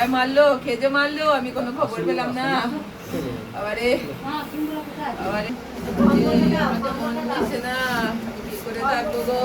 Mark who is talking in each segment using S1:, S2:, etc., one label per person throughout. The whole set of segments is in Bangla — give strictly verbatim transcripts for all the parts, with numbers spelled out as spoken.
S1: হ্যাঁ মারলো, খেজে মারলো, আমি কোনো খবর পেলাম না। আবারে আবারে মন দিচ্ছে না, কি করে থাকবো গো।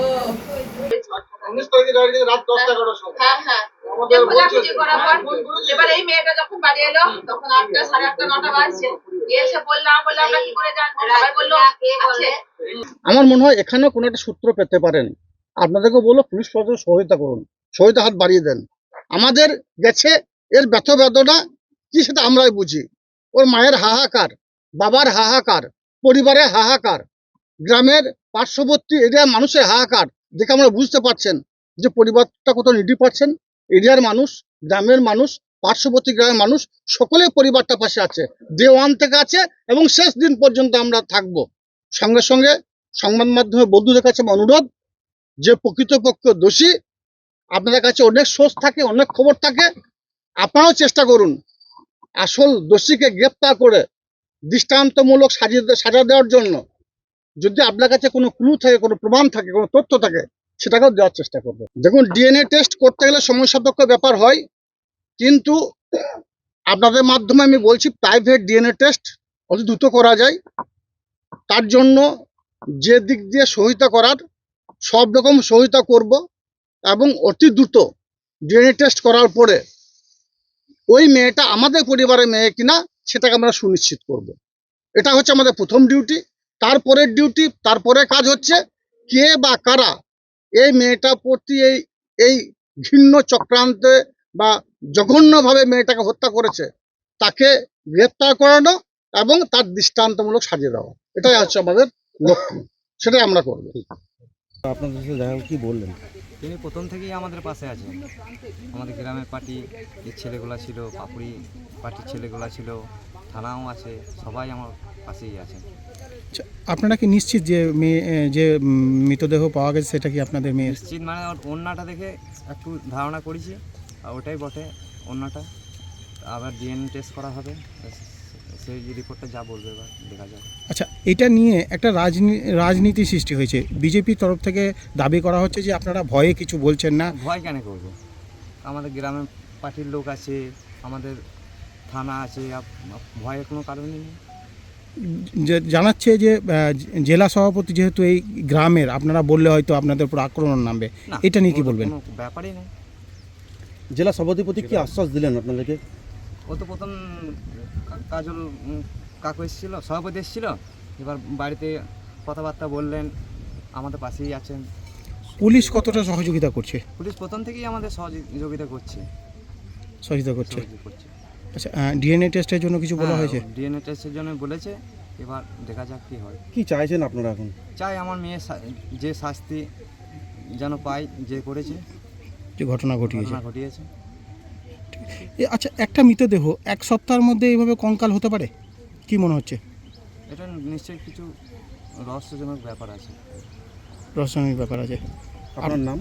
S1: হ্যাঁ হ্যাঁ খোঁজাখুঁজি করার পর এবার এই মেয়েটা যখন বাড়ি এলো তখন আটটা সাড়ে আটটা নটা বাজছে, এসে বললাম বললাম আমরা কি করে জানবো, সবাই বললো আছে।
S2: আমার মনে হয় এখানেও কোনো একটা সূত্র পেতে পারেন। আপনাদেরকে বললো পুলিশ প্রশাসন সহায়তা করুন, সহায়তা হাত বাড়িয়ে দেন। আমাদের গেছে এর ব্যথ বেদনা কি সেটা আমরাই বুঝি। ওর মায়ের হাহাকার, বাবার হাহাকার, পরিবারের হাহাকার, গ্রামের পার্শ্ববর্তী এরিয়ার মানুষের হাহাকার দেখে আমরা বুঝতে পারছেন যে পরিবারটা কত নিডি পাচ্ছেন। এরিয়ার মানুষ, গ্রামের মানুষ, পার্শ্ববর্তী গ্রামের মানুষ সকলে পরিবারটা পাশে আছে, ডে ওয়ান থেকে আছে এবং শেষ দিন পর্যন্ত আমরা থাকবো। সঙ্গে সঙ্গে সংবাদ মাধ্যমে বন্ধুদের কাছে অনুরোধ, যে প্রকৃতপক্ষ দোষী, আপনাদের কাছে অনেক সোর্স থাকে, অনেক খবর থাকে, আপনারাও চেষ্টা করুন আসল দোষীকে গ্রেপ্তার করে দৃষ্টান্তমূলক সাজিয়ে সাজা দেওয়ার জন্য। যদি আপনার কাছে কোনো ক্লু থাকে, কোনো প্রমাণ থাকে, কোনো তথ্য থাকে, সেটাকেও দেওয়ার চেষ্টা করবে। দেখুন, ডিএনএ টেস্ট করতে গেলে সময় সাপেক্ষ ব্যাপার হয়, কিন্তু আপনাদের মাধ্যমে আমি বলছি প্রাইভেট ডিএনএ টেস্ট অতি দ্রুত করা যায়। তার জন্য যে দিক দিয়ে সহায়তা করার সব রকম সহায়তা করব এবং অতি দ্রুত ডিএনএ টেস্ট করার পরে ওই মেয়েটা আমাদের পরিবারের মেয়ে কিনা সেটাকে আমরা সুনিশ্চিত করব। এটা হচ্ছে আমাদের প্রথম ডিউটি। তারপরের ডিউটি, তারপরে কাজ হচ্ছে কে বা কারা এই মেয়েটার প্রতি এই এই ঘৃণ্য চক্রান্তে বা জঘন্যভাবে মেয়েটাকে হত্যা করেছে তাকে গ্রেপ্তার করানো এবং তার দৃষ্টান্তমূলক সাজিয়ে দেওয়া, এটাই হচ্ছে আমাদের লক্ষ্য, সেটাই আমরা করব।
S3: আপনাদের সাথে দেখা কি বললেন?
S4: তিনি প্রথম থেকেই আমাদের পাশে আছেন। আমাদের গ্রামের পার্টি যে ছেলেগুলো ছিল, পাপুড়ি পার্টির ছেলেগুলো ছিল, থানাও আছে, সবাই আমার পাশেই আছে।
S5: আপনারা কি নিশ্চিত যে মেয়ে যে মৃতদেহ পাওয়া গেছে সেটা কি আপনাদের মেয়ে?
S4: নিশ্চিত মানে ওর ওড়নাটা দেখে একটু ধারণা করেছি, আর ওটাই বটে ওড়নাটা। আবার ডিএনএ টেস্ট করা হবে, সেই রিপোর্টটা যা বলবে এবার দেখা যাবে।
S5: আচ্ছা, এটা নিয়ে একটা রাজনীতি রাজনীতি সৃষ্টি হয়েছে। বিজেপির তরফ থেকে দাবি করা হচ্ছে যে আপনারা ভয়ে কিছু বলছেন না।
S4: ভয় কেন করবো? আমাদের গ্রামের পার্টির লোক আছে, আমাদের থানা আছে, ভয়ের কোনো কারণই নেই।
S5: যে- জানাচ্ছে যে আহ, জেলা সভাপতি যেহেতু এই গ্রামের, আপনারা বললে হয়তো আপনাদের উপর আক্রমণ নামবে,
S4: না,
S5: এটা নিয়ে কি
S4: ওর তো
S5: বলবেন?
S4: কোনো ব্যাপারই নেই।
S3: জেলা সভাধিপতি কি আশ্বাস দিলেন আপনাদেরকে?
S4: ও তো প্রথম কা- কাজল উম, কাকু এসেছিল, সভাপতি এসেছিল, এবার বাড়িতে কথাবার্তা বললেন, আমাদের পাশেই আছেন।
S5: পুলিশ কতটা সহযোগিতা করছে?
S4: পুলিশ প্রথম থেকেই আমাদের সহযোগিতা করছে
S5: সহযোগিতা করছে।
S4: সহযোগিতা করছে।
S5: আচ্ছা, ডিএনএ টেস্টের জন্য কিছু বলা হয়েছে?
S4: ডিএনএ টেস্টের জন্য বলেছে, এবার দেখা যাক কি হয়।
S3: কি চাইছেন আপনারা এখন?
S4: চাই আমার মেয়ে যে শাস্তি যেন পায়, যে করেছে,
S5: যে ঘটনা ঘটিয়েছে।
S4: ঘটনা ঘটিয়েছে।
S5: এ, আচ্ছা, একটা মৃতদেহ এক সপ্তাহের মধ্যে এইভাবে কঙ্কাল হতে পারে কি মনে হচ্ছে?
S4: এটা নিশ্চয়ই কিছু রহস্যজনক ব্যাপার আছে।
S5: রহস্যময় ব্যাপার আছে।
S3: আপনার নাম?